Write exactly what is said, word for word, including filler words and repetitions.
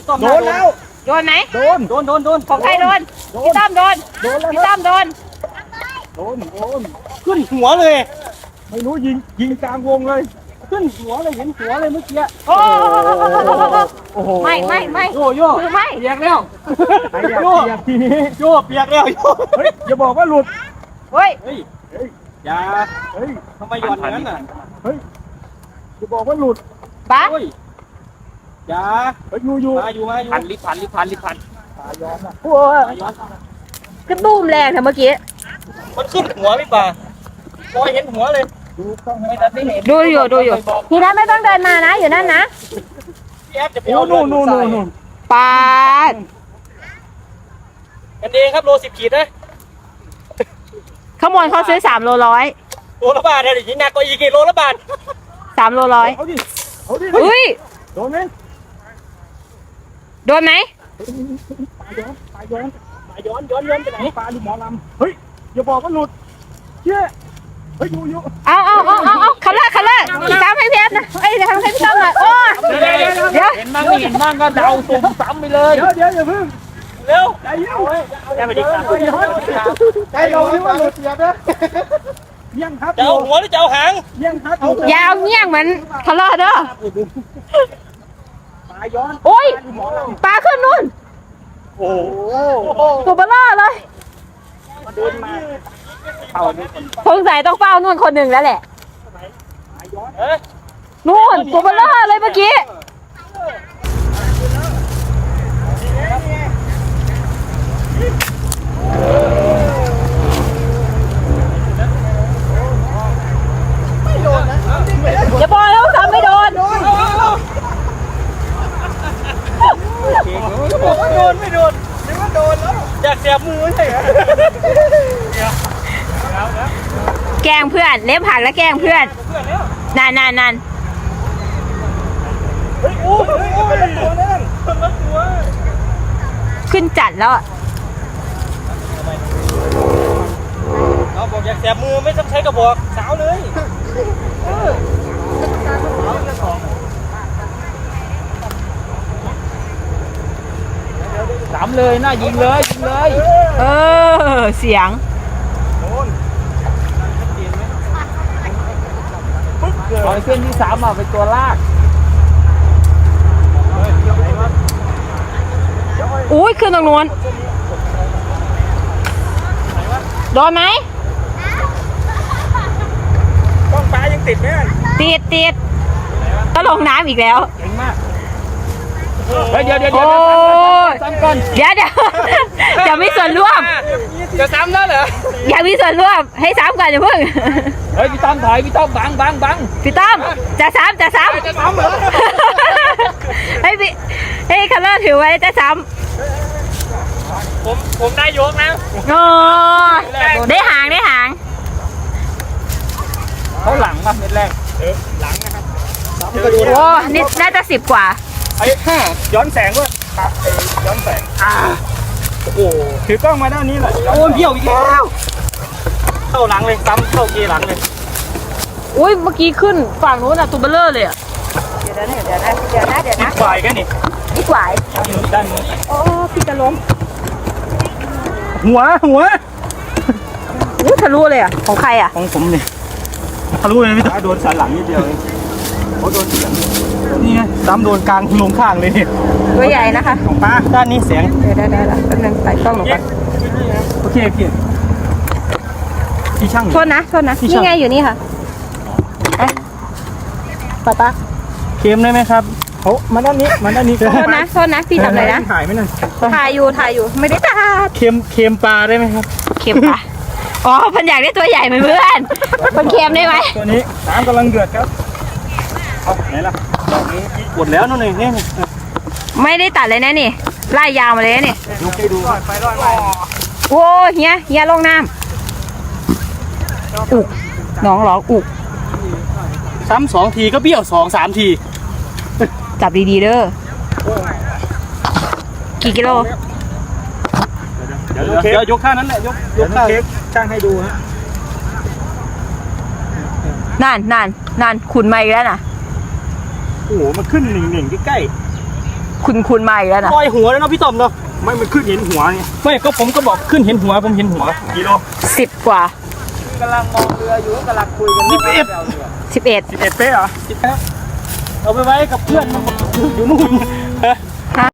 โดนแล้วโดนไหมโดนโดนโดนโดนของใครโดนพี่ตั้มโดนพี่ตั้มโดนโดนโดนขึ้นหัวเลยไม่รู้ยิงยิงกลางวงเลยขึ้นหัวเลยเห็นหัวเลยเมื่อกี้โอ้โหไม่ไม่ไม่โยโย่ไม่เปียกแล้วโยเปียกทีนี้โยเปียกแล้วโยเฮ้ยอย่าบอกว่าหลุดเฮ้ยเฮ้ยเฮ้ยอย่าเฮ้ยทำไมหย่อนอย่างนั้นน่ะเฮ้ยอย่าบอกว่าหลุดป้าอย่าเฮ้ยอยู่อยู่มาอยู่มาอยู่พันลิพันลิพันลิพันตาย้อนอ่ะโอ้ยกระตุ้มแรงเถอะเมื่อกี้มันขึ้นหัวพี่ป่าพอเห็นหัวเลยดูไม่ได้เห็นดูอยู่ดูอยู่ทีนั้นไม่ต้องเดินมานะอยู่นั่นนะพี่แอฟจะไปเอานู่นนู่นนู่นปาดกันเองครับโลสิบขีดนะขโมยเขาซื้อสามโลร้อยโลละบาทเลยหนักกว่าอีกกี่โลละบาทสามโลร้อยเอาดิเอาดิอุ้ยโดนไหมโดนไหมปลาย้อนปลาย้อนปลาย้อนย้อนย้อนไปไหนปลาดูหมอลำเฮ้ยอย่าบอกว่าหลุดเชี่ยเฮ้ยอยู่อยู่เอาเอาเอาเอาเอาคันละคันละตามให้เพชรนะเอ้ยทำให้พี่ตั้มหน่อยโอ้เดี๋ยวเห็นบ้างเห็นบ้างก็เดาสุ่มซ้ำไปเลยเดี๋ยวเดี๋ยวอย่าพึ่งเร็วใจเย็นใจไม่ดีครับใจเราที่ว่าหลุดเสียบนะเยี่ยงครับจะเอาหัวหรือจะเอาหางเยี่ยงครับยาวเงี้ยงเหมือนทะเลาะเด้อปลาย้อนโอ้ยปลาขึ้นนู่นโอ้ตัวเบลล่าเลยเดินมาสงสัยต้องเฝ้านู่นคนหนึ่งแล้วแหละนู่นตัวเบลล่าเลยเมื่อกี้อย่าบอกแล้วทำไม่โดนบอกว่าโดนไม่โดนนึกว่าโดนแล้วอยากเสียบมือใช่ไหมแกล้งเพื่อนเล็บหักแล้วแกล้งเพื่อนนานนานนานขึ้นจัดแล้วเราบอกอยากเสียบมือไม่ต้องใช้กระบอกสาวเลยสามเลยน่ายิงเลยยิงเลยเออเสียงเอาเส้นที่สามมาเป็นตัวลากอุ้ยขึ้นตรงนู้นโดนไหมต้องปลายังติดไหมติดติดก็ลงน้ำอีกแล้วเก่งมากเดี๋ยวเดี๋ยวเดี๋ยวซ้ำก่อนเดี๋ยวเดี๋ยวจะมีส่วนร่วมจะซ้ำแล้วเหรออย่ามีส่วนร่วมให้ซ้ำก่อนอย่าเพิ่งเฮ้ยพี่ต้อมถอยพี่ต้อมบังบังบังพี่ต้อมจะซ้ำจะซ้ำจะซ้ำเหรอให้พี่ให้คันเลอร์ถือไว้จะซ้ำผมผมได้ยกนะโอ้ได้หางได้หางเขาหลังมาเม็ดแรกเออหลังนะครับโอ้นี่น่าจะสิบกว่าไอ้ห้าย้อนแสงด้วยครับย้อนแสงอ่าโอ้โหถือกล้องมาด้านนี้แหละโอ้เบี้ยวอีกแล้วเข้าหลังเลยซ้ำเข้าเกียร์หลังเลยอุ้ยเมื่อกี้ขึ้นฝั่งนู้นอะตูเบลเลอร์เลยอะเดี๋ยวนะเดี๋ยวนะเดี๋ยวนะเดี๋ยวนะควายกันนี่นี่ควายด้านนี้โอ้พี่จะล้มหัวหัวอู้ทะลุเลยอะของใครอะของผมเนี่ยทะลุเลยพี่ตาโดนสันหลังนิดเดียวเองเขาโดนเสียงนี่ไงซ้ำโดนกลางลงข้างเลยนี่ตัวใหญ่นะคะของป้าด้านนี้เสียงเดี๋ยวได้ได้ละแป๊บนึงใส่กล้องลงไปโอเคพี่ที่ช่างโทษนะโทษนะนี่ไงอยู่นี่ค่ะไปป้าป้าเค็มได้ไหมครับโอ้มาด้านนี้มาด้านนี้โทษนะโทษนะพี่ทำอะไรนะถ่ายไหมน่ะถ่ายอยู่ถ่ายอยู่ไม่ได้ถ่ายเค็มเค็มปลาได้ไหมครับเค็มปลาอ๋อพันอยากได้ตัวใหญ่เหมือนเพื่อนพันเค็มได้ไหมตัวนี้น้ำกำลังเดือดครับเอาไหนล่ะดอกนี้หมดแล้วนู่นนี่นี่ไม่ได้ตัดเลยนะนี่ไล่ยาวมาเลยนี่ดูให้ดูไปรอดไปโอ้เฮียเฮียลงน้ำอุกน้องหรออุกซ้ำสองทีก็เบี้ยวสองสามทีจับดีๆเด้อกี่กิโลเดี๋ยวเดี๋ยวยกข้านั้นแหละยกยกข้าเค้กช่างให้ดูฮะนานนานนานขุนมาอีกแล้วนะโอ้โหมันขึ้นหนึ่งหนึ่งใกล้ๆคุณคุณมาอีกแล้วนะลอยหัวแล้วเนาะพี่ต้อมเนาะไม่มันขึ้นเห็นหัวไงไม่ก็ผมก็บอกขึ้นเห็นหัวผมเห็นหัวกิโลสิบกว่ากำลังมองเรืออยู่กำลังคุยกันสิบเอ็ดสิบเอ็ดสิบเอ็ดเป๊ะเหรอสิบเอ็ดเอาไปไว้กับเพื่อนอยู่นู่น